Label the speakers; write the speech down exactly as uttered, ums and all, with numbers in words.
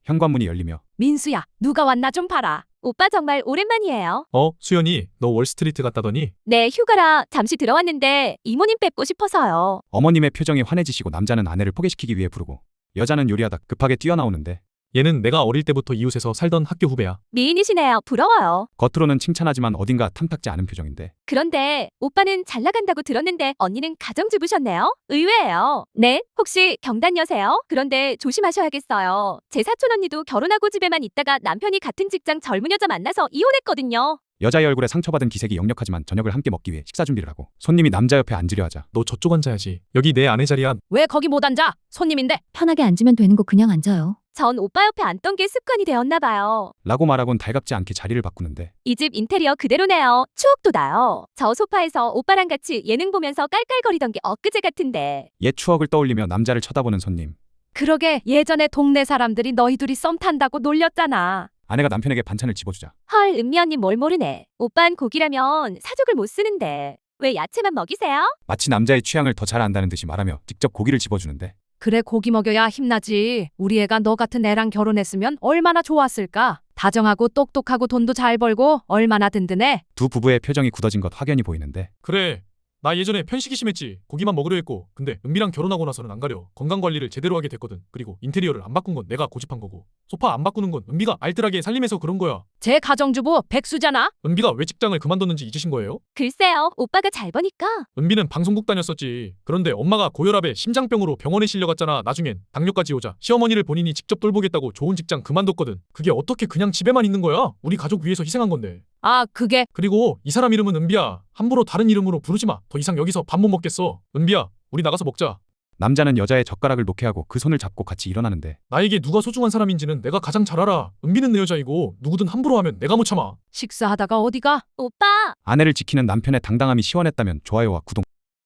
Speaker 1: 현관문이 열리며
Speaker 2: 민수야, 누가 왔나 좀 봐라.
Speaker 3: 오빠 정말 오랜만이에요.
Speaker 4: 어, 수연이 너 월스트리트 갔다더니?
Speaker 3: 네, 휴가라 잠시 들어왔는데 이모님 뵙고 싶어서요.
Speaker 1: 어머님의 표정이 환해지시고 남자는 아내를 포기시키기 위해 부르고 여자는 요리하다 급하게 뛰어나오는데
Speaker 4: 얘는 내가 어릴 때부터 이웃에서 살던 학교 후배야.
Speaker 3: 미인이시네요. 부러워요.
Speaker 1: 겉으로는 칭찬하지만 어딘가 탐탁지 않은 표정인데
Speaker 3: 그런데 오빠는 잘 나간다고 들었는데 언니는 가정주부셨네요? 의외예요. 네, 혹시 경단녀세요? 그런데 조심하셔야겠어요. 제 사촌 언니도 결혼하고 집에만 있다가 남편이 같은 직장 젊은 여자 만나서 이혼했거든요.
Speaker 1: 여자의 얼굴에 상처받은 기색이 역력하지만 저녁을 함께 먹기 위해 식사 준비를 하고 손님이 남자 옆에 앉으려 하자
Speaker 4: 너 저쪽 앉아야지. 여기 내 아내 자리야.
Speaker 2: 왜 거기 못 앉아? 손님인데.
Speaker 5: 편하게 앉으면 되는 거 그냥 앉아요.
Speaker 3: 전 오빠 옆에 앉던 게 습관이 되었나 봐요.
Speaker 1: 라고 말하곤 달갑지 않게 자리를 바꾸는데
Speaker 3: 이 집 인테리어 그대로네요. 추억도 나요. 저 소파에서 오빠랑 같이 예능 보면서 깔깔거리던 게 엊그제 같은데.
Speaker 1: 옛 추억을 떠올리며 남자를 쳐다보는 손님.
Speaker 2: 그러게 예전에 동네 사람들이 너희 둘이 썸 탄다고 놀렸잖아.
Speaker 1: 아내가 남편에게 반찬을 집어주자
Speaker 3: 헐, 은미 언니 뭘 모르네. 오빤 고기라면 사족을 못 쓰는데 왜 야채만 먹이세요?
Speaker 1: 마치 남자의 취향을 더 잘 안다는 듯이 말하며 직접 고기를 집어주는데
Speaker 2: 그래 고기 먹여야 힘나지. 우리 애가 너 같은 애랑 결혼했으면 얼마나 좋았을까. 다정하고 똑똑하고 돈도 잘 벌고 얼마나 든든해.
Speaker 1: 두 부부의 표정이 굳어진 것 확연히 보이는데
Speaker 4: 그래. 나 예전에 편식이 심했지. 고기만 먹으려 했고. 근데 은비랑 결혼하고 나서는 안 가려. 건강관리를 제대로 하게 됐거든. 그리고 인테리어를 안 바꾼 건 내가 고집한 거고. 소파 안 바꾸는 건 은비가 알뜰하게 살림해서 그런 거야.
Speaker 2: 제 가정주부 백수잖아.
Speaker 4: 은비가 왜 직장을 그만뒀는지 잊으신 거예요?
Speaker 3: 글쎄요, 오빠가 잘 버니까.
Speaker 4: 은비는 방송국 다녔었지. 그런데 엄마가 고혈압에 심장병으로 병원에 실려갔잖아. 나중엔 당뇨까지 오자 시어머니를 본인이 직접 돌보겠다고 좋은 직장 그만뒀거든. 그게 어떻게 그냥 집에만 있는 거야? 우리 가족 위해서 희생한 건데.
Speaker 2: 아 그게
Speaker 4: 그리고 이 사람 이름은 은비야. 함부로 다른 이름으로 부르지 마. 더 이상 여기서 밥 못 먹겠어. 은비야, 우리 나가서 먹자.
Speaker 1: 남자는 여자의 젓가락을 놓게 하고 그 손을 잡고 같이 일어나는데
Speaker 4: 나에게 누가 소중한 사람인지는 내가 가장 잘 알아. 은비는 내 여자이고 누구든 함부로 하면 내가 못 참아.
Speaker 2: 식사하다가 어디가?
Speaker 3: 오빠!
Speaker 1: 아내를 지키는 남편의 당당함이 시원했다면 좋아요와 구독